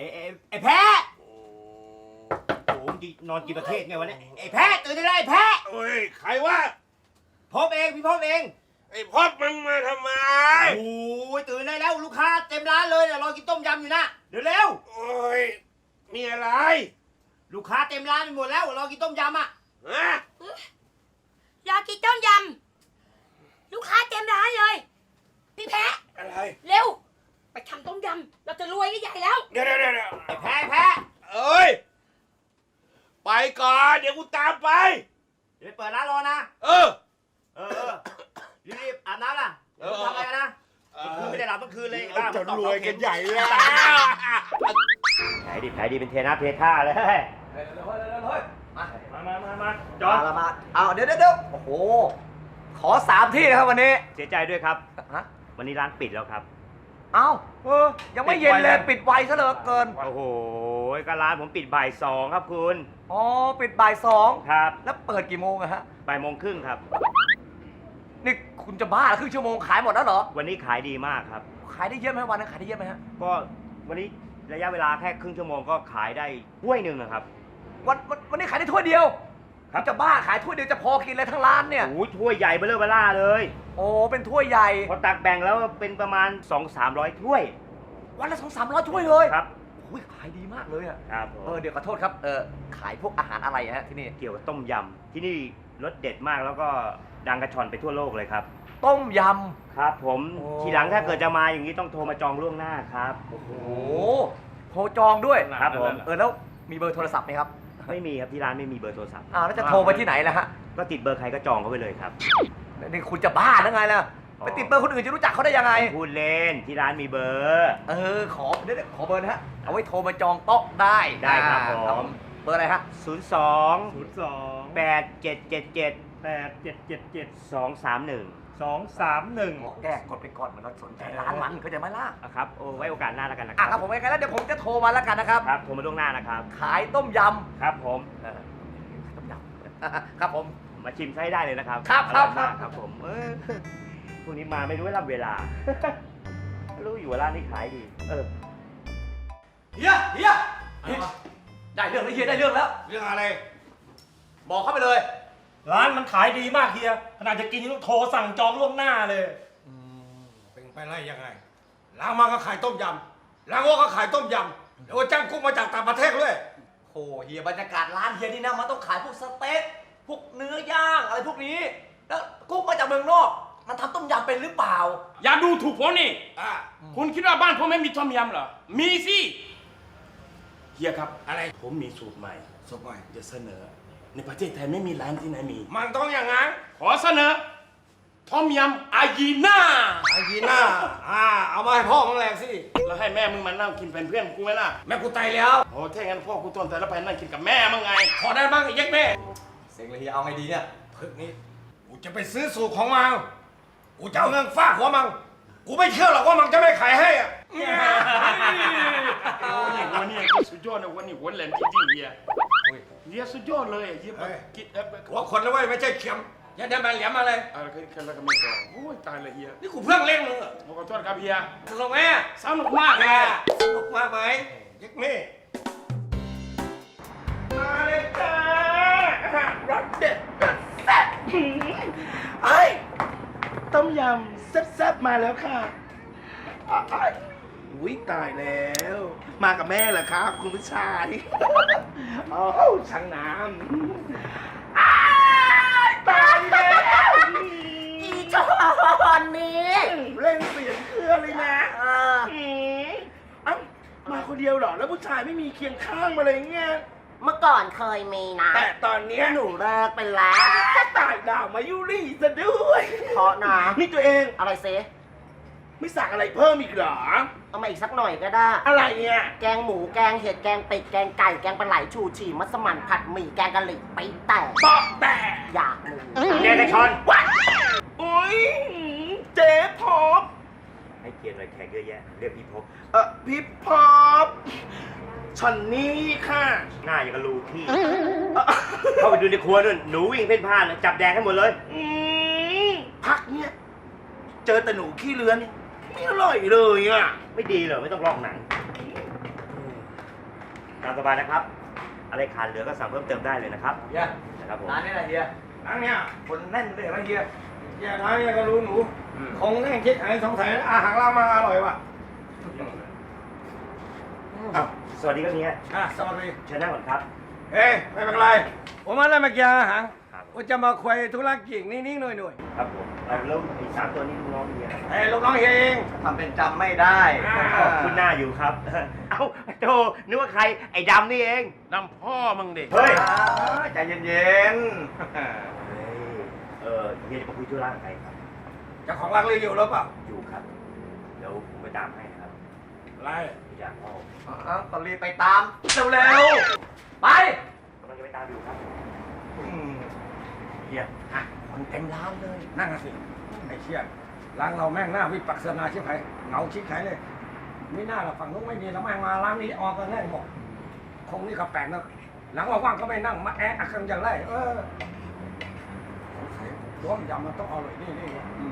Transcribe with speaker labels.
Speaker 1: ไอ้แพ้โอ้โหนอนกินประเทศไงวะเนี่ยไอ้แพ้ตื่นได้แล้วไอ้แพ้
Speaker 2: เฮ้ยใครวะ
Speaker 1: พบเองพี่พบเอง
Speaker 2: ไอ้พอดมึงมาทำไม
Speaker 1: โอ้ยตื่นได้แล้วลูกค้าเต็มร้านเลยรอกินต้มยำอยู่นะเร็ว
Speaker 2: โอ้ยมีอะไร
Speaker 1: ๆลูกค้าเต็มร้านไปหมดแล้วรอกินต้มยำอ่ะ
Speaker 2: ฮะ
Speaker 3: อยากกินต้มยำลูกค้าเต็มร้านเลยพี่แพะ
Speaker 2: อะไร
Speaker 3: เร็วไปทำต้มยำเราจะรวยกันใหญ่แล้ว
Speaker 2: เดี๋ยว
Speaker 1: ไอ้แพ้
Speaker 2: เอ้ยไปก่อนเดี๋ยวกูตามไป
Speaker 1: เดี๋ยวเปิดร้านรอนะ
Speaker 2: เออ
Speaker 1: เออรีบอาบน้ำล่ะทำอะไรกันนะคืนไม่ได้หลับเมื่อคืนเลย
Speaker 2: จะรวยกันใหญ่แล้ว
Speaker 1: แผลดีเป็นเทน้ำเทท่าเลยมาจอด
Speaker 4: มาเอาเดี๋ยวโอ้โหขอ3 ที่นะครับวันนี้
Speaker 1: เสียใจด้วยครับ
Speaker 4: ฮะ
Speaker 1: วันนี้ร้านปิดแล้วครับ
Speaker 4: เอ้ายังไม่เย็นเลยปิดไวซะเหลือเกิน
Speaker 1: โอ้โหก็ร้านผมปิดบ่าย 2ครับคุณ
Speaker 4: อ๋อปิดบ่าย
Speaker 1: ครับ
Speaker 4: 2แล้วเปิดกี่โมงอะฮะ
Speaker 1: บ่ายโมงครึ่งครับ
Speaker 4: นี่คุณจะบ้าครึ่งชั่วโมงขายหมดแล้วเหรอ
Speaker 1: วันนี้ขายดีมากครับ
Speaker 4: ขายได้เยอะไหมวันนั้นขายได้เยอะไหมฮะ
Speaker 1: ก็วันนี้ระยะเวลาแค่ครึ่งชั่วโมงก็ขายได้ถ้วยหนึ่งนะครับ
Speaker 4: วันนี้ขายได้ถ้วยเดียว
Speaker 1: ครับ
Speaker 4: จะบ้าขายถ้วยเดียวจะพอกินเลยทั้งร้านเนี่ย
Speaker 1: โอ้ยถ้วยใหญ่เบ้อเร่อเบ้อล่าเลย
Speaker 4: โอ้เป็นถ้วยใหญ่
Speaker 1: พอตักแบ่งแล้วเป็นประมาณ 200-300 ถ้วย
Speaker 4: วันละ200-300ถ้วยเลย
Speaker 1: ครับ
Speaker 4: อุ้ยขายดีมากเลยอะ
Speaker 1: ครับผม
Speaker 4: เดี๋ยวขอโทษครับขายพวกอาหารอะไรฮะที่นี่
Speaker 1: เกี่ยวกับต้มยำที่นี่รสเด็ดมากแล้วก็ดังกระชอนไปทั่วโลกเลยครับ
Speaker 4: ต้มย
Speaker 1: ครับผม
Speaker 4: โอ้
Speaker 1: ทีหลังถ้าเกิดจะมาอย่างนี้ต้องโทรมาจองล่วงหน้าครับ
Speaker 4: ำโอ้โหโทรจองด้วย
Speaker 1: ครับผม
Speaker 4: แล้วมีเบอร์โทรศัพท์ไหมครับ
Speaker 1: ไม่มีครับที่ร้านไม่มีเบอร์โทรศัพท์
Speaker 4: แล้วจะโทรไปที่ไหนล่ะฮะ
Speaker 1: ก็ติดเบอร์ใครก็จองเขาไปเลยครับ
Speaker 4: นี่คุณจะบ้าหรือไงล่ะ
Speaker 1: อ๋อ
Speaker 4: ไปติดเบอร์คนอื่นจะรู้จักเขาได้ยังไง
Speaker 1: พูดเล่นที่ร้านมีเบอร์
Speaker 4: ขอเดี๋ยวขอเบอร์นะฮะ เอาไว้โทรมาจองโต๊ะได้
Speaker 1: ได้ครับผม
Speaker 4: เบอร์อะไรฮะ
Speaker 1: 02 8777
Speaker 5: 8777
Speaker 1: 231
Speaker 4: แก้กดไปก่อนมันเราสนใจร้านมันเขาใจไหมล่ะ
Speaker 1: ครับโอ้ไว้โอกาสหน้าแล้วกันนะค
Speaker 4: ครับผมไงแล้วเดี๋ยวผมจะโทรมาแล้วกันนะครับ
Speaker 1: ครับโทรมาล่วงหน้านะครับ
Speaker 4: ขายต้มย
Speaker 1: ครับผม
Speaker 4: ำต้มยำ ครับผม
Speaker 1: มาชิมใช้ได้เลยนะครับ
Speaker 4: ครับ
Speaker 1: ออยมาก
Speaker 4: ครับ
Speaker 1: ครับผมพรุ่งนี้มาไม่รู้ว่ารับเวลา รู้อยู่ว่าร้านนี้ขายดี
Speaker 4: เฮียได้เรื่องแล้วเฮียได้เรื่องแล้ว
Speaker 2: เรื่องอะไร
Speaker 4: บอกเข้าไปเลย
Speaker 5: ร้านมันขายดีมากเฮียขนาดจะกินยังต้องโทรสั่งจองล่วงหน้าเลย
Speaker 2: เป็นไปได้ยังไงล้างมาก็ขายต้มยำล้างวัวก็ขายต้มยำเดี๋ยวจ้างกุ๊กมาจากต่างประเทศด้วย
Speaker 4: โอ้เฮียบรรยากาศร้านเฮียนี่นะมันต้องขายพวกสเต็กพวกเนื้อย่างอะไรพวกนี้ แล้วกุ๊กมาจากเมืองนอก มันทำต้มยำเป็นหรือเปล่า
Speaker 6: อย่าดูถูกผมนี่
Speaker 2: อ่ะ
Speaker 6: คุณคิดว่าบ้านผมไม่มีต้มยำเหรอ มีสิเฮียครับ
Speaker 2: อะไร
Speaker 6: ผมมีสูตรใหม่
Speaker 2: สมัย
Speaker 6: จะเสนอ ในประเทศไทยไม่มีร้านที่ไหนมี
Speaker 2: มันต้องอย่างงั้น
Speaker 6: ขอเสนอต้มยำอายีน่า
Speaker 2: ไอ้ยีน่าเอามาให้พ่อมึงแรงสิ
Speaker 6: แล้วให้แม่มึงมานั่งกินเป็นเพื่อนกูไหมล่ะ
Speaker 2: แม่กูตายแล้ว
Speaker 6: โอ้ถ้างั้นพ่อกูต้นแต่ละไปนั่งกินกับแม่มึงไง
Speaker 2: ขอได้บ้างไอ้ยักษ์แม่
Speaker 4: เสียงเลยเฮียเอาไงดีเนี่ย
Speaker 2: พึกนี้กูจะไปซื้อสูตรของมังกูจะเอาเงินฟาดหัวมังกูไม่เชื่อหรอกว่ามังจะไม่ขายให้อ่ะ
Speaker 6: โอ้นี่หัวนี่ก็สุดยอดนะหัวนี่หัวแหลมจริงๆเฮียเฮียสุดยอดเลยเฮียแบบกินแบบ
Speaker 2: หัวคนนะเว้ยไม่ใช่เข็มอย่าได้มาเหลี่ยมมาเลย
Speaker 6: อะไรกันแล้วก็ไม่บอกโอ้ยตายเลยเฮีย
Speaker 2: นี่กูเพิ่งเล่นมึงอ่ะ
Speaker 6: ขอโทษครับเฮีย
Speaker 2: สนุกไหม
Speaker 6: สนุกมากเลย
Speaker 2: สนุกมากไหมยักษ์แม่มาเลยจ้ารสเด็ดแบบแซ่บไอ้ต้มยำแซ่บๆมาแล้วค่ะอุ้ยตายแล้ว มากับแม่เหรอครับคุณผู้ชายโอ้ช่างน้ำตายแล้ว
Speaker 3: อีจอนนี้
Speaker 2: เล่นเสียงเครือเลยนะเอ้ามาคนเดียวเหรอ แล้วผู้ชายไม่มีเคียงข้างมาเลยเงี้ย
Speaker 3: เมื่อก่อนเคยมีนะ
Speaker 2: แต่ตอนเนี้ย
Speaker 3: หนูเลิกไปแล้ว
Speaker 2: ตายดาวมายุรีซะด้วย
Speaker 3: เพราะนะ
Speaker 2: นี่ตัวเอง
Speaker 3: อะไรเซ
Speaker 2: ไม่สั่งอะไรเพิ่มอีกเหรอ
Speaker 3: เอามาอีกสักหน่อยก็ได้
Speaker 2: อะไรเนี่ย
Speaker 3: แกงหมูแกงเห็ดแกงเป็ดแกงไก่แกงปลาไหลชูชีมัสมั่นผัดหมี่แกงกะหรี่ไปแต่
Speaker 2: ปอกแต่
Speaker 3: อยากมู
Speaker 1: เนี่ยนายชอน
Speaker 2: วัดโอ้ยเจ๊พบ
Speaker 1: ให้เกียรติอะไรแขกเยอะแยะ เรียกพี่พบ
Speaker 2: พี่พบฉันนี่ค่ะ
Speaker 1: หน้าอย่างกับรูขี้ เข้าไปดูในครัวนู่นหนูวิ่งเพ่นพ่านเลยจับแดงให้หมดเลย
Speaker 2: พักเนี่ย เจอแต่หนูขี้เลื้อนไม่อร่อยเลยอ่ะ
Speaker 1: ไม่ดีเหรอไม่ต้องลอกหนังตามสบายนะครับ อะไรขาดเหลือก็สั่งเพิ่มเติมได้เลยนะครับ
Speaker 4: เฮีย
Speaker 1: นะครับผม
Speaker 4: ร้านนี้แหละเฮีย
Speaker 6: ร้านเนี้ย
Speaker 4: คนแน่นเลยนะเฮีย
Speaker 6: เฮียร้านเนี้ยก็รู้หนู
Speaker 1: อืม
Speaker 6: คงแน่งคิดไอ้สงสัยอาหารเรามาอร่อยว่ะ
Speaker 1: อ้าวสวัสดีครับเฮีย
Speaker 6: สวัสดี
Speaker 1: เชิญนั่งก่อนครับ
Speaker 6: เอ้ยไม่เป็นไรผมมาได้มากินอาหาร
Speaker 1: ครับ
Speaker 6: ผมจะมาคุยธุรกิจนิดๆหน่อย
Speaker 1: ครับผมแล้วไอ้3 ตัวนี้ลูกน้องเฮีย
Speaker 6: ๆเฮ้ยลูกน้องเฮียเอง
Speaker 4: ทำเป็นจำไม่ได้
Speaker 1: คุณหน้าอยู่ครับ เอ้าโธ่นึกว่าใครไอ้ดำนี่เอง
Speaker 6: น้ำพ่อมึงเด็ก
Speaker 1: เฮ้ย
Speaker 4: ใจเย็น
Speaker 1: เฮียจะมาคุยธุระกับใครครับ
Speaker 6: เจ้าของร้านเลยอยู่หรือเปล่า
Speaker 1: อยู่ครับ เดี๋ยวผมไปตามให้ครับ
Speaker 6: อะไร
Speaker 1: พี่จากพ่อ
Speaker 4: ๆก็รีบไปตามเร็วๆไป
Speaker 1: กำลังจะไปตามอยู่ครับ
Speaker 6: เฮียคนเต็มร้านเลย นั่งสิไอ้เชี่ยร้านเราแม่งหน้าวิปัสสนาชิบหายเหงาชิบหายเลยไม่น่าหรอกฝั่งนู้นไม่มีแล้วแม่งมาร้านนี้ออกกันแน่บอกคงนี่ก็แปลกนะหลังว่างๆก็ไม่นั่งมาแอะกันอย่างไรสงสัยต้มยำมันต้องอร่อยนี่